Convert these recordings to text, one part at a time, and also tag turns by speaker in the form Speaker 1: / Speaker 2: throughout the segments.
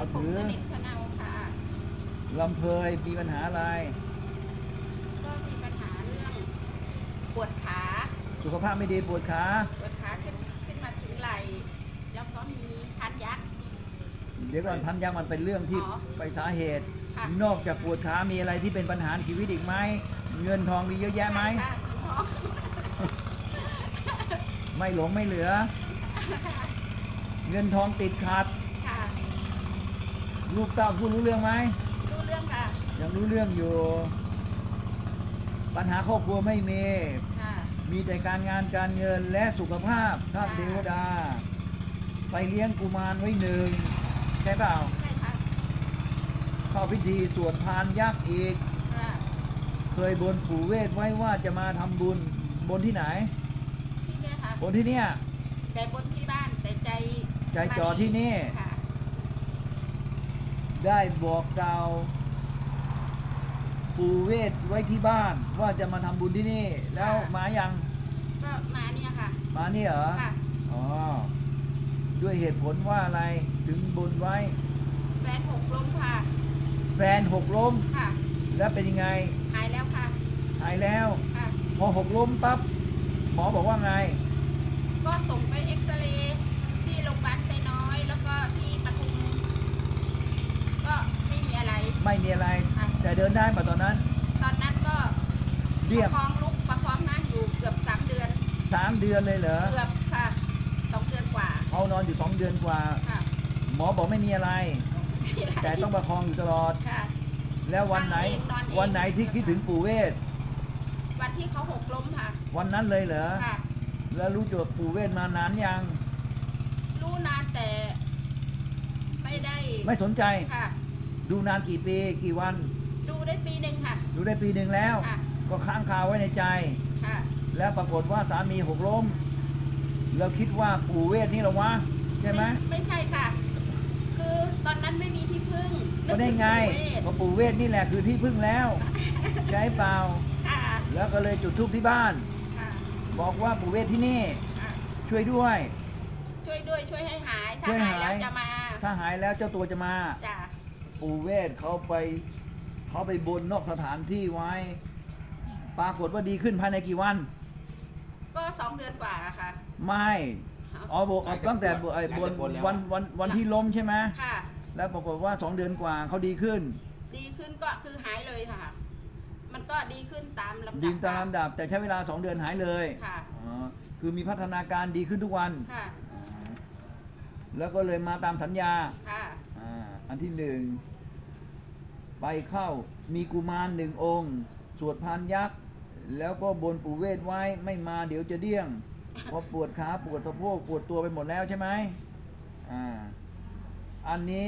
Speaker 1: อถือ
Speaker 2: สนิทพะเนาค่ะ
Speaker 1: ลำเพยมีปัญหาอะไร
Speaker 2: ก็มีปัญหาเรื่องปวดขา
Speaker 1: สุขภาพไม่ดีปวดขา
Speaker 2: ปวดขาขึ้นมาถึงไหล่แล้วก็มีพันยักษ์
Speaker 1: เดี๋ยวก่อนพันยักษ์มันเป็นเรื่องที่ไปสาเหตุ
Speaker 2: ค่ะ
Speaker 1: นอกจากปวดขามีอะไรที่เป็นปัญหาชีวิตอีกไหมเงินทองมีเยอะแยะไหม
Speaker 2: ใช่ค่ะมีท้อง
Speaker 1: ไม่หลงไม่เหลือ เงินทองติดขัด
Speaker 2: ค่ะ
Speaker 1: ลูกเต้าพูดรู้เรื่องไหม
Speaker 2: รู้เรื่องค่ะ
Speaker 1: ยังรู้เรื่องอยู่ ปัญหาครอบครัวไม่มี
Speaker 2: ค่ะ
Speaker 1: มีแต่การงานการเงินและสุขภาพท่านเทวดา ไปเลี้ยงกุมารไว้หนึ่งใช่เปล่า
Speaker 2: ใช่ค่ะ
Speaker 1: เข้าพิธีสวดพานยักษ์อีก
Speaker 2: ค่ะ
Speaker 1: เคยบนปู่เวทไว้ว่าจะมาทำบุญบนที่ไหน
Speaker 2: ที่เนี่ยค่ะ
Speaker 1: บนที่เนี่ย
Speaker 2: แต่บนที่บ้านแต่ใจ
Speaker 1: จ่อที่นี่
Speaker 2: ค่ะ
Speaker 1: ได้บอกกล่าวปู่เวทไว้ที่บ้านว่าจะมาทำบุญที่นี่แล้วมายัง
Speaker 2: ก็มาเนี่ยค่ะ
Speaker 1: มานี่เหรอ
Speaker 2: ค่ะ
Speaker 1: อ๋อด้วยเหตุผลว่าอะไรถึงบนไว้
Speaker 2: แฟนหกล้มค่ะ
Speaker 1: แฟนหกล้ม
Speaker 2: ค่ะ
Speaker 1: แล้วเป็นยังไง
Speaker 2: หายแล้วค่ะ
Speaker 1: หายแล้ว
Speaker 2: ค่ะ
Speaker 1: พอหกล้มปั๊บหมอบอกว่าไง
Speaker 2: ก็ส่งไปเอ็กซเรย์ที่โรงพยาบาลไซน้อยแล้วก็ที่ปทุมก็ไม่มีอะไร
Speaker 1: ไม่มีอะไร
Speaker 2: ค่ะ
Speaker 1: แต่เดินได้ป่ะตอนนั้น
Speaker 2: ก็
Speaker 1: เรียบ
Speaker 2: ประคองลุกประคองนั่งอยู่เกือบ3 เดือน
Speaker 1: 3 เดือนเลยเหรอ
Speaker 2: เกือบค่ะ2 เดือนกว่า
Speaker 1: เอานอนอยู่2 เดือนกว่า
Speaker 2: ค่ะ
Speaker 1: หมอบอกไม่มีอะไรแต่ต้องประคองอยู่ตลอด
Speaker 2: ค่ะ
Speaker 1: แล้ววันไหนที่คิดถึงปู่เวท
Speaker 2: วันที่เขาหกล้มค่ะ
Speaker 1: วันนั้นเลยเหรอ
Speaker 2: ค่ะ
Speaker 1: แล้วรู้จักปู่เวทมานานยัง
Speaker 2: รู้นานแต่
Speaker 1: ไม่สนใจ
Speaker 2: ค่ะ
Speaker 1: ดูนานกี่ปีกี่วัน
Speaker 2: ดูได้ปีหนึ่งค่ะ
Speaker 1: ดูได้ปีหนึ่งแล้ว
Speaker 2: ค่ะ
Speaker 1: ก็ค้างคาไว้ในใจ
Speaker 2: ค่ะ
Speaker 1: แล้วปรากฏว่าสามีหกล้มเราคิดว่าปู่เวทนี่หรอวะใช่ไหม
Speaker 2: ไม่ใช่ค่ะคือตอนนั้นไม่มีที่พึ่ง
Speaker 1: ก็ได้ไงก็ปู่เวทนี่แหละคือที่พึ่งแล้วใช่เปล่า
Speaker 2: ค่ะ
Speaker 1: แล้วก็เลยจุดธูปที่บ้าน
Speaker 2: ค่ะ
Speaker 1: บอกว่าปู่เวทที่นี่ช่วยด้วย
Speaker 2: ช่วยให้หายถ้าหายแล้วจะมา
Speaker 1: ถ้าหายแล้วเจ้าตัวจะมา
Speaker 2: จ้ะ
Speaker 1: ปู่เวทเขาไปบนนอกสถานที่ไว้ปรากฏว่าดีขึ้นภายในกี่วัน
Speaker 2: ก็2 เดือนกว่าค่ะ
Speaker 1: ไม่บอกตั้งแต่บนวันที่ล้มใช่ไหม
Speaker 2: ค่ะ
Speaker 1: แล้วปรากฏว่า2 เดือนกว่าเขาดีขึ้น
Speaker 2: ก็คือหายเลยค่ะมันก็ดีขึ้นตามลำดับ
Speaker 1: ดีตามลำดับแต่ใช้เวลา2 เดือนหายเลย
Speaker 2: ค่ะ
Speaker 1: คือมีพัฒนาการดีขึ้นทุกวัน
Speaker 2: ค่ะ
Speaker 1: แล้วก็เลยมาตามสัญญา
Speaker 2: ค่ะ
Speaker 1: อันที่1ไปเข้ามีกุมาร1 องค์สวดพานยักษ์แล้วก็บนปู่เวทไว้ไม่มาเดี๋ยวจะเดี้ยงเพราะปวดขาปวดสะโพกปวดตัวไปหมดแล้วใช่ไหมอันนี้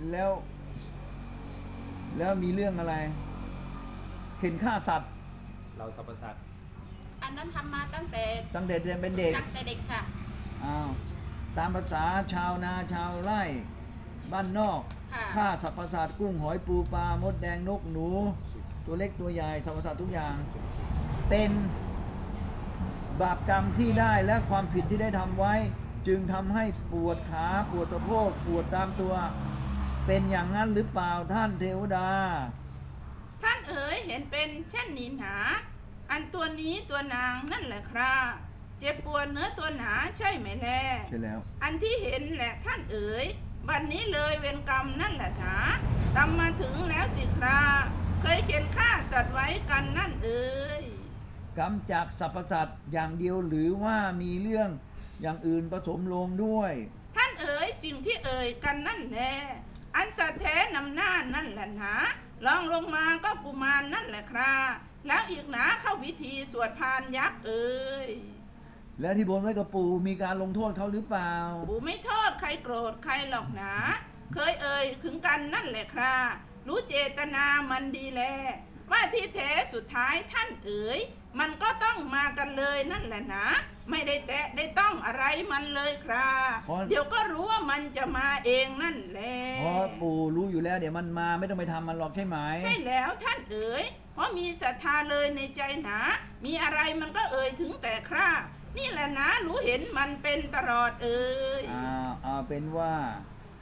Speaker 1: แล้วมีเรื่องอะไรเห็นฆ่าสัตว์
Speaker 3: เราสรรพสัตว์
Speaker 2: อันนั้นทำมาตั้งแต่
Speaker 1: เป็นเด็ก
Speaker 2: ตั้งแต่เด็กค่ะ
Speaker 1: ตามภาษาชาวนาชาวไร่บ้านนอกฆ่าสรรพสัตว์กุ้งหอยปูปลามดแดงนกหนูตัวเล็กตัวใหญ่สรรพสัตว์ทุกอย่างเป็นบาปกรรมที่ได้และความผิดที่ได้ทำไว้จึงทำให้ปวดขาปวดสะโพกปวดตามตัวเป็นอย่างนั้นหรือเปล่าท่านเทวดา
Speaker 4: ท่านเอ๋ยเห็นเป็นเช่นนี้หนาอันตัวนี้ตัวนางนั่นแหละครับเจ็บปวดเนื้อตัวหนาใช่ไหมแล
Speaker 1: ใช่แล้ว
Speaker 4: อันที่เห็นแหละท่านเอ๋ยวันนี้เลยเวรกรรมนั่นแหละหนาตามมาถึงแล้วสิคราเคยเข็นฆ่าสัตว์ไว้กันนั่นเอ๋ย
Speaker 1: กรรมจากสรรพสัตว์อย่างเดียวหรือว่ามีเรื่องอย่างอื่นผสมลงด้วย
Speaker 4: ท่านเอ๋ยสิ่งที่เอ๋ยกันนั่นแหละอันสัตว์แท้นำหน้านั่นแหละหนาลองลงมาก็กุมารนั่นแหละครับแล้วอีกหนาเข้าวิธีสวดพานยักษ์เอ๋ย
Speaker 1: แล้วที่บนไว้กับปู่มีการลงโทษเขาหรือเปล่า
Speaker 4: ปู่ไม่โทษใครโกรธใครหรอกหนาเคยเอ่ยถึงกันนั่นแหละครับรู้เจตนามันดีแลว่าที่แท้สุดท้ายท่านเอ๋ยมันก็ต้องมากันเลยนั่นแหละนะไม่ได้แตะได้ต้องอะไรมันเลยครับเดี๋ยวก็รู้ว่ามันจะมาเองนั่นแหละ
Speaker 1: เพราะปู่รู้อยู่แล้วเดี๋ยวมันมาไม่ต้องไปทำมันหรอกใช่ไหม
Speaker 4: ใช่แล้วท่านเอ๋ยเพราะมีศรัทธาเลยในใจหนามีอะไรมันก็เอ่ยถึงแต่ครานี่แหละนะรู้เห็นมันเป็นตลอดเอ๋ย
Speaker 1: เป็นว่าช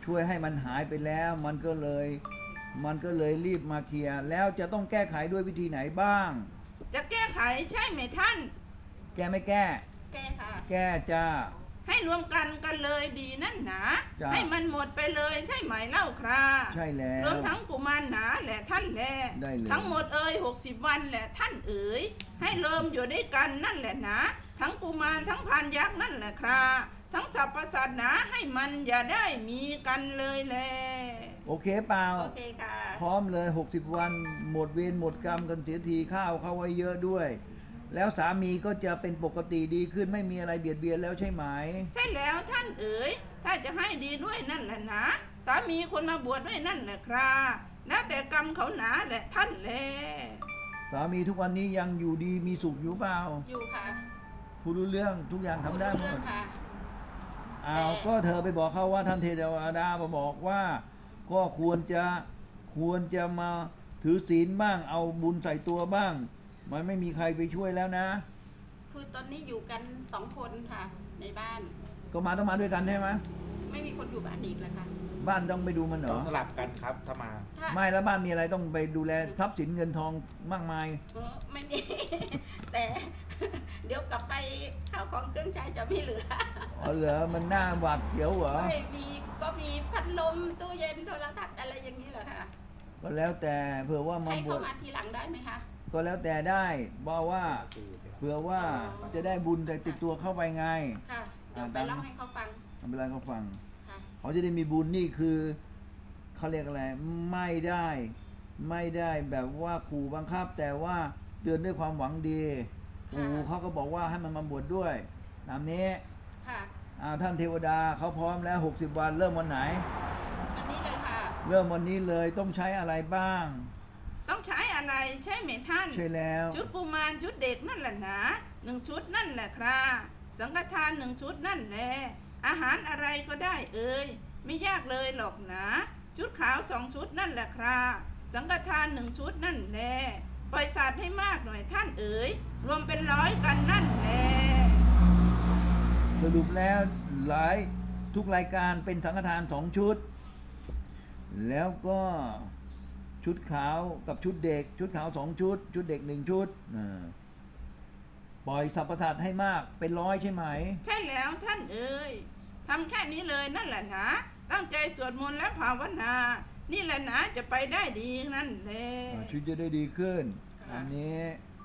Speaker 1: ช่วยให้มันหายไปแล้ว มันก็เลยรีบมาเคลียร์แล้วจะต้องแก้ไขด้วยวิธีไหนบ้าง
Speaker 4: จะแก้ไขใช่ไหมท่าน
Speaker 1: แก้ไม่แก้
Speaker 2: แก้ค่ะ
Speaker 1: แก้จ้า
Speaker 4: ให้รวมกันเลยดีนั่นหนา
Speaker 1: จ้ะ
Speaker 4: ให้มันหมดไปเลยใช่ไหมเล่าครา
Speaker 1: ใช่แล้ว
Speaker 4: รวมทั้งกุมารหนาแหละท่านแล
Speaker 1: ได้เลย
Speaker 4: ทั้งหมด60 วันแหละท่านเอ๋ยให้เริ่มอยู่ด้วยกันนั่นแหละนะทั้งกุมารทั้งพานยักษ์นั่นแหละคราทั้งสรรพสัตว์หนาให้มันอย่าได้มีกันเลยแล
Speaker 1: โอเคเปล่า
Speaker 2: โอเคค่ะ
Speaker 1: พร้อมเลย 60 วันหมดเวรหมดกรรมกันเสียทีข้าวเข้าไว้เยอะด้วย แล้วสามีก็จะเป็นปกติดีขึ้นไม่มีอะไรเบียดเบียนแล้วใช่ไหม
Speaker 4: ใช่แล้วท่านเอ๋ยถ้าจะให้ดีด้วยนั่นแหละนะสามีคนมาบวชด้วยนั่นแหละคราแล้วแต่กรรมเขาหนาแหละท่านแล
Speaker 1: สามีทุกวันนี้ยังอยู่ดีมีสุขอยู่เปล่า
Speaker 2: อยู่ค่ะ
Speaker 1: ผู้รู้เรื่องทุกอย่างทำได้หม
Speaker 2: เรื่อ
Speaker 1: ด
Speaker 2: งค่ะ
Speaker 1: อ้าวก็เธอไปบอกเขาว่าท่านเทวดามาบอกว่า ก็ควรจะมาถือศีลบ้างเอาบุญใส่ตัวบ้าง มันไม่มีใครไปช่วยแล้วนะ
Speaker 2: คือตอนนี้อยู่กัน2 คนค่ะ ในบ้าน
Speaker 1: ก็ต้องมาด้วยกันใช่ไหม
Speaker 2: ไม่มีคนอยู่บ้านอีกแล้วค่ะ
Speaker 1: บ้านต้องไปดูมันเหร
Speaker 3: ต้อ
Speaker 1: อ
Speaker 3: งสลับกันครับถ้ามา
Speaker 2: ถ้า
Speaker 1: ไม่แล้วบ้านมีอะไรต้องไปดูแลทรัพย์สินเงินทองมากมาย
Speaker 2: ไม่มี แต่ เดี๋ยวกลับไปข้าวของเครื่องใช้จะไม่เหลือ
Speaker 1: อ๋อเหรอมันน่าหวาดเสียวเหรอ
Speaker 2: ไม่มีก็มีพัดลมตู้เย็นโทรทัศน์อะไรอย่างนี้เหรอคะ
Speaker 1: ก็แล้วแต่เผื่อว่ามา
Speaker 2: ให้
Speaker 1: บ
Speaker 2: เข้าว
Speaker 1: ช
Speaker 2: มาทีหลังได้ไหมคะ
Speaker 1: ก็แล้วแต่ได้บอกว่าเผื่อว่าจะได้บุญแต่ติดตัวเข้าไปไง
Speaker 2: ค่ะ เดี๋ยวไปเล่าให้เขาฟัง
Speaker 1: ทำเป็นไรเขาฟัง
Speaker 2: ค่ะ
Speaker 1: เขาจะได้มีบุญนี่คือเขาเรียกอะไรไม่ได้แบบว่าขู่บังคับ แต่ว่าเตือนด้วยความหวังดีปู่เขาก็บอกว่าให้มันมาบวชด้วยตามนี้
Speaker 2: ค่ะ
Speaker 1: ท่านเทวดาเขาพร้อมแล้ว60 วันเริ่มวันไหน
Speaker 2: วันนี้เลยค่ะ
Speaker 1: เริ่มวันนี้เลยต้องใช้อะไรบ้าง
Speaker 4: ต้องใช้อะไรใช่ไหมท่าน
Speaker 1: ใช่แล้ว
Speaker 4: ชุดกุมารชุดเด็กนั่นแหละนะ1 ชุดนั่นแหละครับสังฆทาน1 ชุดนั่นแหละอาหารอะไรก็ได้เอ่ยไม่ยากเลยหรอกนะชุดขาว2 ชุดนั่นแหละครับสังฆทาน1 ชุดนั่นแหละปล่อยสัตว์ให้มากหน่อยท่านเอ๋ยรวมเป็น100กันนั่นแหละ
Speaker 1: สรุปแล้วทุกรายการเป็นสังฆทาน2 ชุด แล้วก็ชุดขาวกับชุดเด็ก ชุดขาว2 ชุด ชุดเด็ก1 ชุดปล่อยสรรพสัตว์ให้มากเป็น100ใช่ไหม
Speaker 4: ใช่แล้วท่านเอ๋ยทำแค่นี้เลยนั่นแหละนะตั้งใจสวดมนต์และภาวนา นี่แหละนะจะไปได้ดีนั่นแหละ
Speaker 1: ชีวิตจะได้ดีขึ้น อันนี้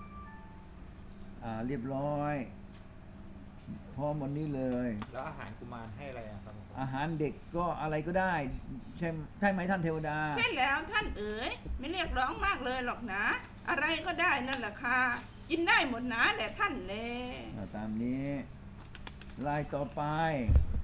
Speaker 1: เรียบร้อยพร้อมวันนี้เลย
Speaker 3: แล้วอาหารกุมารให้อะไรอะครับ
Speaker 1: อาหารเด็กก็อะไรก็ได้ ใช่ไหมท่านเทวดา
Speaker 4: ใช่แล้วท่านเอ๋ยไม่เรียกร้องมากเลยหรอกนะ อะไรก็ได้นั่นแหละค่ะกินได้หมดนะแหละท่านแล
Speaker 1: ตามนี้ลายต่อไป